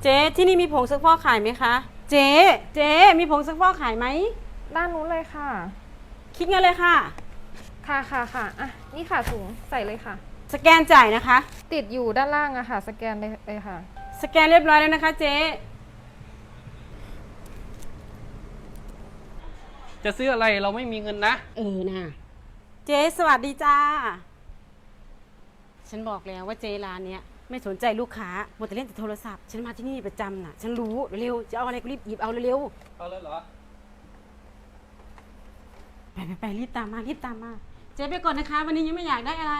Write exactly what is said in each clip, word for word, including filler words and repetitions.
เจ๊ที่นี่มีผงซักฟอกขายไหมคะเจ๊เจ๊มีผงซักฟอกขายไหมด้านนู้นเลยค่ะคิดเงินเลยค่ะค่ะค่ะค่ะอ่ะนี่ค่ะถุงใส่เลยค่ะสแกนจ่ายนะคะติดอยู่ด้านล่างอะค่ะสแกนเลยเลยค่ะสแกนเรียบร้อยแล้วนะคะเจ๊จะซื้ออะไรเราไม่มีเงินนะเออนะเจ๊สวัสดีจ้าฉันบอกแล้วว่าเจ๊ร้านเนี้ยไม่สนใจลูกค้าหมดแต่เล่นแต่โทรศัพท์ฉันมาที่นี่ประจำน่ะฉันรู้เร็วจะเอาอะไรก็รีบหยิบเอาเร็วเอาเลยเหรอไปไปไปรีบตามมารีบตามมาเจ๊ไปก่อนนะคะวันนี้ยังไม่อยากได้อะไร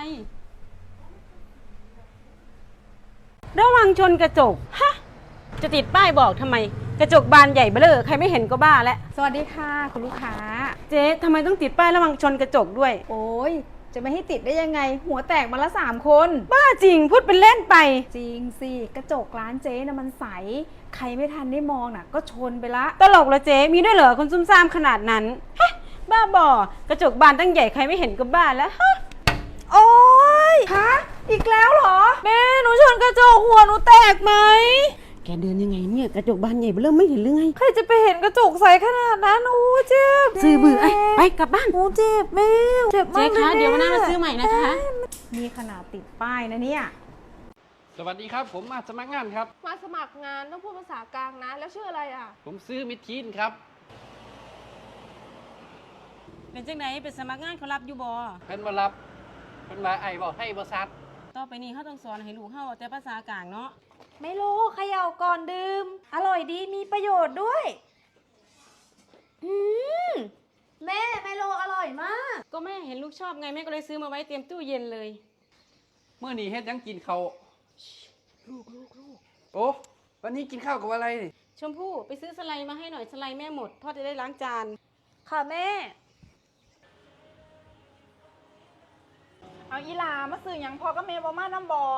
ระวังชนกระจกฮะจะติดป้ายบอกทำไมกระจกบานใหญ่เบ้อเร่อใครไม่เห็นก็บ้าแล้วสวัสดีค่ะคุณลูกค้าเจ๊ทำไมต้องติดป้ายระวังชนกระจกด้วยโอ้ยจะไม่ให้ติดได้ยังไงหัวแตกมาละสามคนบ้าจริงพูดเป็นเล่นไปจริงสิกระจกร้านเจ๊นะมันใสใครไม่ทันได้มองน่ะก็ชนไปละตลกละเจ๊มีด้วยเหรอคนซุ่มซ่ามขนาดนั้นฮะบ้าบอกระจกบานตั้งใหญ่ใครไม่เห็นก็บ้าแล้วฮะโอ๊ยฮะอีกแล้วเหรอแม่หนูชนกระจกหัวหนูแตกไหมแกเดินยังไงเนี่ยกระจกบานใหญ่เริ่มไม่เห็นหรือไงใครจะไปเห็นกระจกใสขนาดนั้นโอ้เจ็บซื้อเบื่อไปกลับบ้านโอ้เจ็บแม่เจ็บมากเจ๊คะเดี๋ยววันหน้ามาซื้อใหม่นะคะมีขนาดติดป้ายนะเนี่ยสวัสดีครับผมมาสมัครงานครับมาสมัครงานต้องพูดภาษากลางนะแล้วชื่ออะไรอ่ะผมซื้อมิดทีนครับเป็นจังไหนเป็นสมัครงานเขารับอยู่บ่เพิ่นมารับเพิ่นมาไอ้บอกให้บริษัทต่อไปนี้เขาต้องสอนให้ลูกเฮาแต่ภาษากลางเนาะไม่รู้เขย่าก่อนดื่มอร่อยดีมีประโยชน์ด้วยอืมแม่ไมโลอร่อยมากก็แม่เห็นลูกชอบไงแม่ก็เลยซื้อมาไว้เตรียมตู้เย็นเลยเมื่อนี้เฮ็ดยังกินข้าวลูกลูกลูกโอ้วันนี้กินข้าวกับอะไรชมพู่ไปซื้อสไลด์มาให้หน่อยสไลด์แม่หมดพ่อจะได้ล้างจานค่ะแม่เอาอีหลามาซื้อหยังพ่อก็แม่บ่มาน้ำบ่อ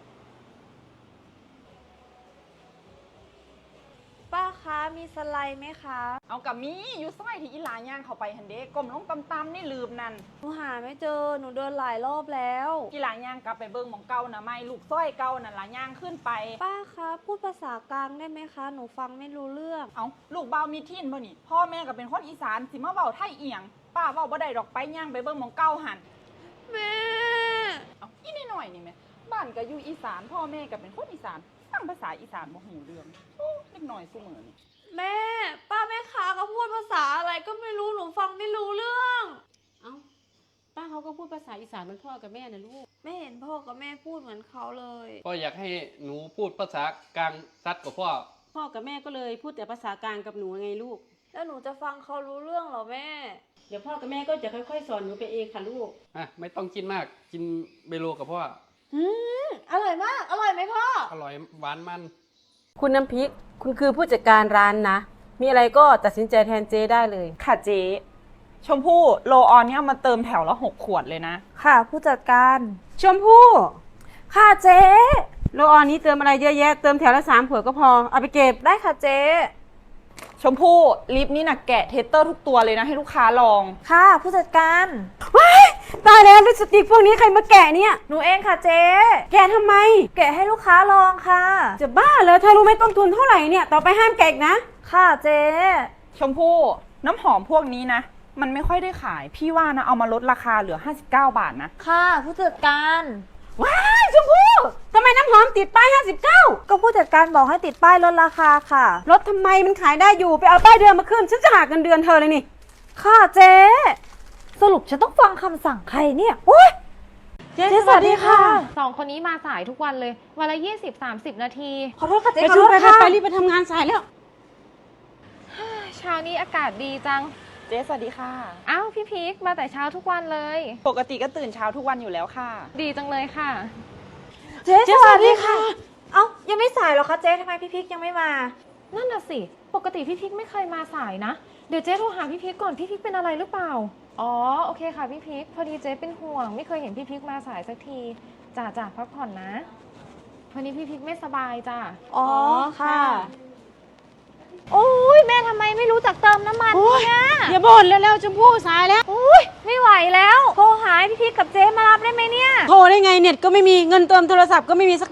ป้าคะมีสไลด์ไหมคะเอากับมีอยู่ซอยที่อีหลาย่างเข้าไปหันเด้ก้มลงตำๆนี่ลืมนั่นหนูหาไม่เจอหนูเดินหลายรอบแล้วอีหลาย่างกลับไปเบิ่งหม่องเก่าน่ะไม่ลูกซอยเก่านั่นล่ะย่างขึ้นไปป้าคะพูดภาษากลางได้ไหมคะหนูฟังไม่รู้เรื่องเอาลูกเบามีทินบ่นี่พ่อแม่ก็เป็นคนอีสานสิมาเว้าไทยเอียงป้าเว้าบ่ได้ดอกไปย่างไปเบิ่งหม่องเก่าหั่นแม่เอาอีนิดหน่อยนี่แม่บ้านก็อยู่อีสานพ่อแม่ก็เป็นคนอีสานฟังภาษาอีสานบ่ฮู้เรื่องโอ้เล็กน้อยซุมื้อนี่แม่ป้าแม่ค้าก็พูดภาษาอะไรก็ไม่รู้หนูฟังไม่รู้เรื่องเอ้าป้าเขาก็พูดภาษาอีสานเหมือนพ่อกับแม่นะลูกไม่เห็นพ่อกับแม่พูดเหมือนเขาเลยพ่ออยากให้หนูพูดภาษากลางซัดกับพ่อพ่อกับแม่ก็เลยพูดแต่ภาษากลางกับหนูไงลูกแล้วหนูจะฟังเขารู้เรื่องเหรอแม่เดี๋ยวพ่อกับแม่ก็จะค่อยๆสอนหนูไปเองค่ะลูกอ่ะไม่ต้องกินมากกินเบโลกับพ่ออืมอร่อยมากอร่อยไหมพ่ออร่อยหวานมันคุณน้ำพริกคุณคือผู้จัดการร้านนะมีอะไรก็ตัดสินใจแทนเจ๊ได้เลยค่ะเจ๊ชมพู่โลออนเนี่ยมาเติมแถวละหกขวดเลยนะค่ะผู้จัดการชมพู่ค่ะเจ๊โลออนนี้เติมอะไรเยอะแยะเติมแถวละสามขวดก็พอเอาไปเก็บได้ค่ะเจ๊ชมพู่ลิปนี่นะแกะเทสเตอร์ทุกตัวเลยนะให้ลูกค้าลองค่ะผู้จัดการว้ายตายแล้วลิปสติกพวกนี้ใครมาแกะเนี่ยหนูเองค่ะเจ๊แกะทำไมแกะให้ลูกค้าลองค่ะจะบ้าเหรอเธอรู้ไหมต้นทุนเท่าไหร่เนี่ยต่อไปห้ามแกะนะค่ะเจ๊ชมพู่น้ำหอมพวกนี้นะมันไม่ค่อยได้ขายพี่ว่านะเอามาลดราคาเหลือห้าสิบเก้าบาทนะค่ะผู้จัดการว้ายชมพู่ทำไมน้ำหอมติดป้ายห้าสิบเก้าก็ผู้จัดการบอกให้ติดป้ายลดราคาค่ะลดทำไมมันขายได้อยู่ไปเอาป้ายเดิมมาขึ้นฉันจะหักเงินเดือนเธอเลยนี่ค่ะเจ๊สรุปฉันต้องฟังคำสั่งใครเนี่ยโอ๊ยเจ๊สวัสดีค่ะสองคนนี้มาสายทุกวันเลยวันละยี่สิบสามสิบนาทีขอโทษค่ะเจ๊ขอโทษค่ะไปรีบไปทำงานสายแล้วเช้านี้อากาศดีจังเจ๊สวัสดีค่ะอ้าวพี่พีคมาแต่เช้าทุกวันเลยปกติก็ตื่นเช้าทุกวันอยู่แล้วค่ะดีจังเลยค่ะเจ๊สวัสดีค่ะเอ้ายังไม่สายหรอคะเจ๊ทำไมพี่พีคยังไม่มานั่นน่ะสิปกติพี่พีคไม่เคยมาสายนะเดี๋ยวเจ๊โทรหาพี่พีคก่อนพี่พีคเป็นอะไรหรือเปล่าอ๋อโอเคค่ะพี่พีคพอดีเจ๊เป็นห่วงไม่เคยเห็นพี่พีคมาสายสักทีจ่าจ่าพักผ่อนนะวันนี้พี่พีคไม่สบายจ้ะอ๋อค่ะโอ้ยแม่ทำไมไม่รู้จักเติมน้ำมันเนี่ยอย่าบ่นเร็วๆชมพู่สายแล้วโอ้ยไม่ไหวแล้วโทรหาพี่พีคกับเจ๊มารับได้ไหมเนี่ยโทรได้ไงเน็ตก็ไม่มีเงินเติมโทรศัพท์ก็ไม่มีสักบาท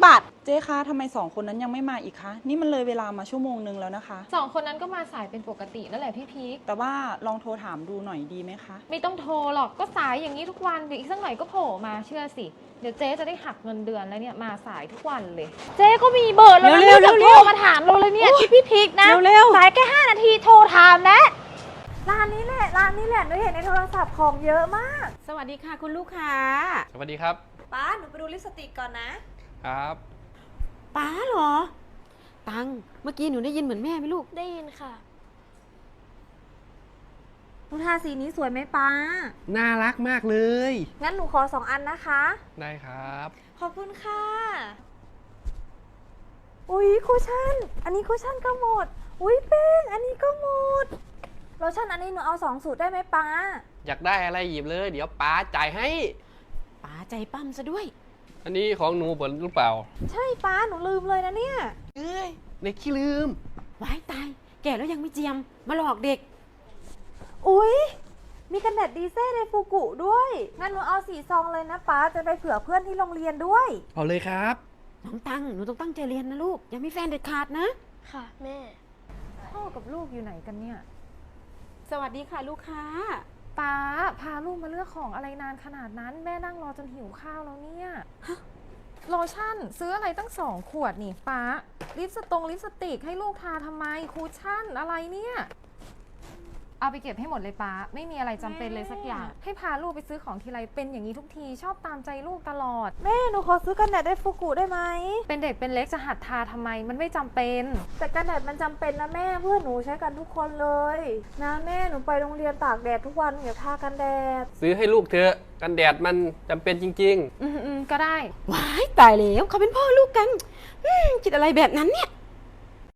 เจ๊คะทำไมสองคนนั้นยังไม่มาอีกคะนี่มันเลยเวลามาชั่วโมงนึงแล้วนะคะสองคนนั้นก็มาสายเป็นปกตินั่นแหละพี่พีคแต่ว่าลองโทรถามดูหน่อยดีไหมคะไม่ต้องโทรหรอกก็สายอย่างนี้ทุกวันเดี๋ยวอีกสักหน่อยก็โผล่มาเชื่อสิเดี๋ยวเจ๊จะได้หักเงินเดือนแล้วเนี่ยมาสายทุกวันเลย เจ๊ก็มีเบอร์แล้วนะเร็วๆไม่ต้องเร็โทวรๆมาถามเราเลยเนี่ยที่พี่พีคนะเร็วๆสายแค่ห้านาทีโทรถามแล้วร้านนี้แหละร้านนี้แหละหนูเห็นในโทรศัพท์ของเยอะมากสวัสดีค่ะคุณลูกค้าสวัสดีครับป้าหนูไปดูลิปสติกก่อนนะครับป้าเหรอ ตัง เมื่อกี้หนูได้ยินเหมือนแม่ไหมลูกได้ยินค่ะหนูทาสีนี้สวยไหมป้าน่ารักมากเลยงั้นหนูขอสองอันนะคะได้ครับขอบคุณค่ะ อุ๊ยคุชชั่น อันนี้คุชชั่นก็หมด อุ๊ยแป้งอันนี้ก็หมดโลชั่นอันนี้หนูเอาสองสูตรได้ไหมป้าอยากได้อะไรหยิบเลย เดี๋ยวป้าจ่ายให้ป้าใจปั้มซะด้วยอันนี้ของหนูผลหรือเปล่าใช่ป้าหนูลืมเลยนะเนี่ยเอ้ยในขี้ลืมไว้ตาย แก่แล้วยังไม่เจียม มาหลอกเด็กอุ๊ย มีกันแดดดีเซ่ในฟูกุด้วย งั้นหนูเอาสีซองเลยนะป้าจะไปเผื่อเพื่อนที่โรงเรียนด้วยเอาเลยครับน้องตัง หนูต้องตั้งใจเรียนนะลูก อย่ามีแฟนเด็ดขาดนะค่ะแม่พ่อกับลูกอยู่ไหนกันเนี่ยสวัสดีค่ะลูกค้าป้าพาลูกมาเลือกของอะไรนานขนาดนั้น แม่นั่งรอจนหิวข้าวแล้วเนี่ยโลชั่นซื้ออะไรตั้งสองขวดนี่ป้าลิปสตงลิปสติกให้ลูกทาทำไมคูชั่นอะไรเนี่ยเอาไปเก็บให้หมดเลยป้าไม่มีอะไรจำเป็นเลยสักอย่าง ให้พาลูกไปซื้อของทีไรเป็นอย่างนี้ทุกทีชอบตามใจลูกตลอดแม่หนูขอซื้อกันแดดได้ฟูกุได้ไหมเป็นเด็กเป็นเล็กจะหัดทาทำไมมันไม่จำเป็นแต่กันแดดมันจำเป็นนะแม่เพื่อนหนูใช้กันทุกคนเลยนะแม่หนูไปโรงเรียนตากแดดทุกวันอย่าทากันแดดซื้อให้ลูกเถอะ กันแดดมันจำเป็นจริงอืมอืมก็ได้ว้ายตายแล้วเขาเป็นพ่อลูกกันอืมคิดอะไรแบบนั้นเนี่ย